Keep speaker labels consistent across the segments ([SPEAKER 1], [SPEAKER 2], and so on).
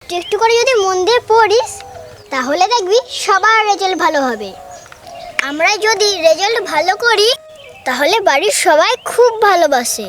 [SPEAKER 1] একটু একটু করে যদি মন দিয়ে পড়িস তাহলে দেখবি সবার রেজাল্ট ভালো হবে। আমরা যদি রেজাল্ট ভালো করি তাহলে বাড়ির সবাই খুব ভালোবাসে।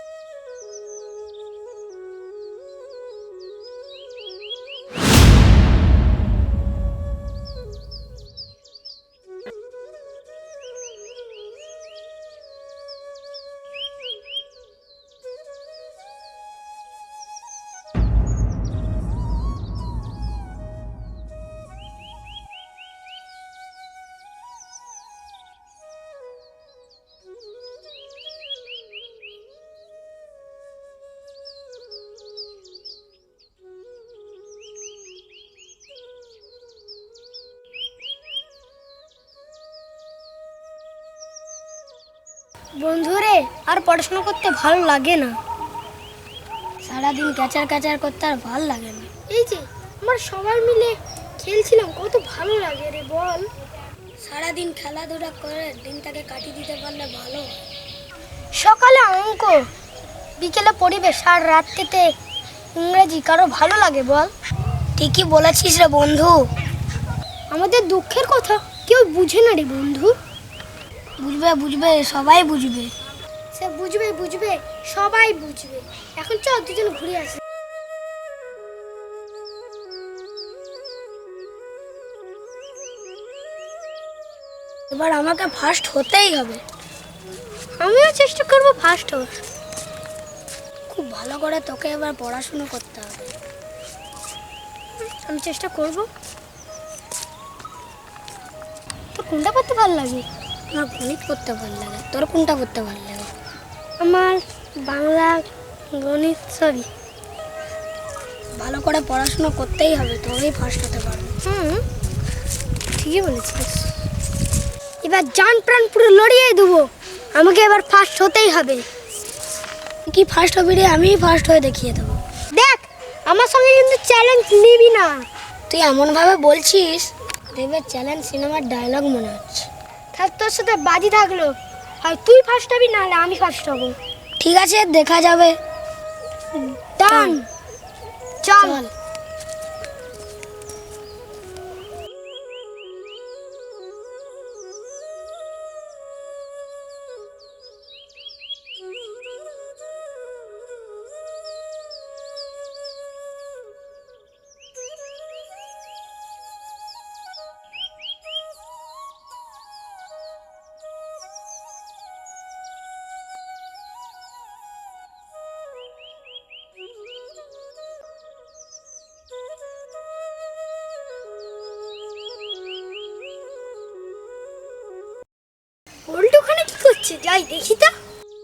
[SPEAKER 2] বন্ধুরে, আর পড়াশোনা করতে ভালো লাগে না। সারাদিন ক্যাচার ক্যাচার করতে আর ভালো লাগে না। এই যে আমরা সবাই মিলে খেলছিলাম, কত ভালো লাগে রে বল। সারাদিন খেলাধুলা করে দিনটাকে কাটিয়ে দিতে পারলে ভালো। সকালে অঙ্ক, বিকেলে পরিবেশ, আর রাত্রিতে ইংরেজি কারো ভালো লাগে বল? ঠিকই বলেছিস রে বন্ধু। আমাদের দুঃখের কথা কেউ বুঝে না রে বন্ধু। বুঝবে বুঝবে, সবাই বুঝবে। সে বুঝবে বুঝবে, সবাই বুঝবে। এখন চল দুজন ঘুরে আসি। এবার আমাকে ফার্স্ট হতেই হবে। আমিও চেষ্টা করব ফার্স্ট হওয়ার। খুব ভালো করে তোকে এবার পড়াশোনা করতে হবে। আমি চেষ্টা করব। তোর কোনটা পড়তে ভালো লাগে? আমার গণিত পড়তে ভালো লাগে। তোর কোনটা পড়তে ভালো লাগে? আমার বাংলা, গণিত সবই। ভালো করে পড়াশোনা করতেই হবে, তবেই ফার্স্ট হতে পারবো। ঠিকই বলেছিস। এবার জান প্রাণ পুরো লড়িয়ে দেবো। আমাকে এবার ফার্স্ট হতেই হবে। কি ফার্স্ট হবি রে? আমিই ফার্স্ট হয়ে দেখিয়ে দেবো। দেখ, আমার সঙ্গে কিন্তু চ্যালেঞ্জ নিবি না। তুই এমনভাবে বলছিস দেবের চ্যালেঞ্জ সিনেমার ডায়লগ মনে হচ্ছে। থাক, তোর সাথে বাজি থাকলো। হয় তুই ফার্স্ট হবি, নাহলে আমি ফার্স্ট হব। ঠিক আছে, দেখা যাবে। ডান, চল। ওল্ড ওখানে কি করছে? যাই দেখি তো।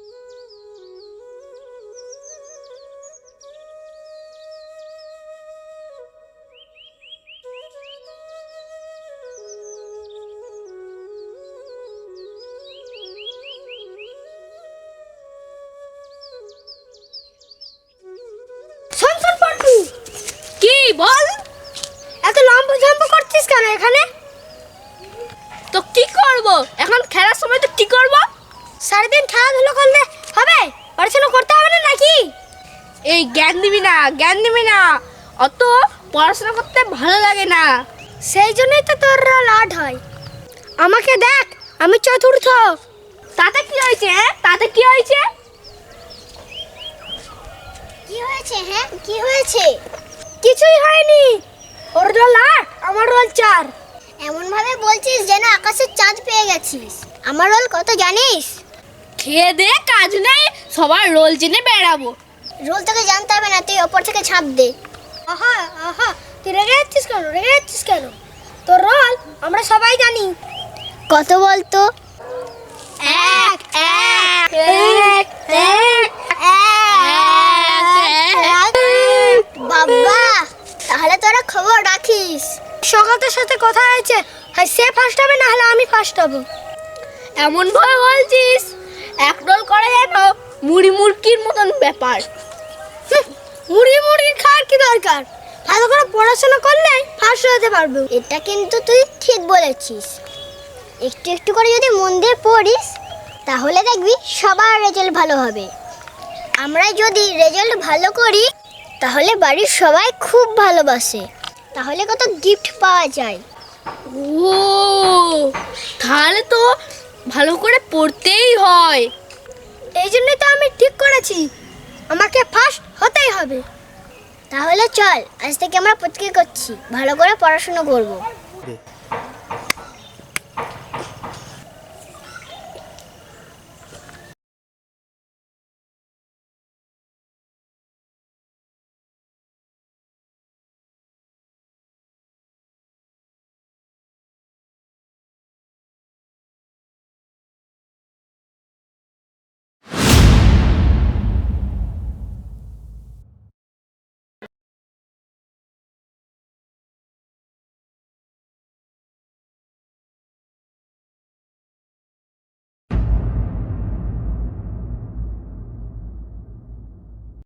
[SPEAKER 2] শোন শোন পল্টু।
[SPEAKER 3] কি বল?
[SPEAKER 2] এত লম্বা ঝম্প করছিস কেন এখানে?
[SPEAKER 3] তো কি করব? এখন খেলার সময় তো কি করব?
[SPEAKER 2] সারাদিন খেলাধুলো করলে হবে? পড়াশোনা করতে হবে না নাকি?
[SPEAKER 3] এই জ্ঞান দিবি না। অত পড়াশোনা করতে ভালো লাগে না।
[SPEAKER 2] সেই জন্যই তো তোর রোল 8 হয়। আমাকে দেখ, আমি চতুর্থ।
[SPEAKER 3] তাতে কি হয়েছে? তাতে কি হয়েছে?
[SPEAKER 1] কি হয়েছে? হ্যাঁ, কি হয়েছে?
[SPEAKER 2] কিছুই হয়নি। ওর রোল 8, আমার রোল 4।
[SPEAKER 1] এমন ভাবে বলছিস যেন আকাশের চাঁদ পেয়ে গেছিস। আমার রোল কত জানিস?
[SPEAKER 3] খেয়ে দে, কাজ নেই, সবার রোল জেনে বেড়াবো।
[SPEAKER 1] রোল তোকে জানতে হবে না, তুই ওপর থেকে ছাপ দে।
[SPEAKER 2] আহা আহা, তুই রেগে যাচ্ছিস কেন? তোর রোল আমরা সবাই জানি।
[SPEAKER 1] কত বলতো?
[SPEAKER 3] 1 1
[SPEAKER 1] বাবা, তাহলে তোরা খবর রাখিস।
[SPEAKER 2] সকালের সাথে কথা হয়েছে, হয় সে ফার্স্ট হবে, না হলে আমি ফার্স্ট হব।
[SPEAKER 3] এমন ভাবে বলছিস এক রোল করা যেন মুড়ি মুড়কির মতন ব্যাপার।
[SPEAKER 2] মুড়ি খাওয়ার কি দরকার? ভালো করে পড়াশোনা করলে ফার্স্ট হতে পারবে।
[SPEAKER 1] এটা কিন্তু তুই ঠিক বলেছিস। একটু একটু করে যদি মন দিয়ে পড়িস তাহলে দেখবি সবার রেজাল্ট ভালো হবে। আমরা যদি রেজাল্ট ভালো করি তাহলে বাড়ির সবাই খুব ভালোবাসে। তাহলে কত গিফট পাওয়া যায়।
[SPEAKER 3] ও তাহলে তো ভালো করে পড়তেই হয়।
[SPEAKER 2] এই জন্যই তো আমি ঠিক করেছি আমাকে ফার্স্ট হতেই হবে।
[SPEAKER 1] তাহলে চল, আজ থেকে আমরা প্রতিজ্ঞা করছি ভালো করে পড়াশোনা করব।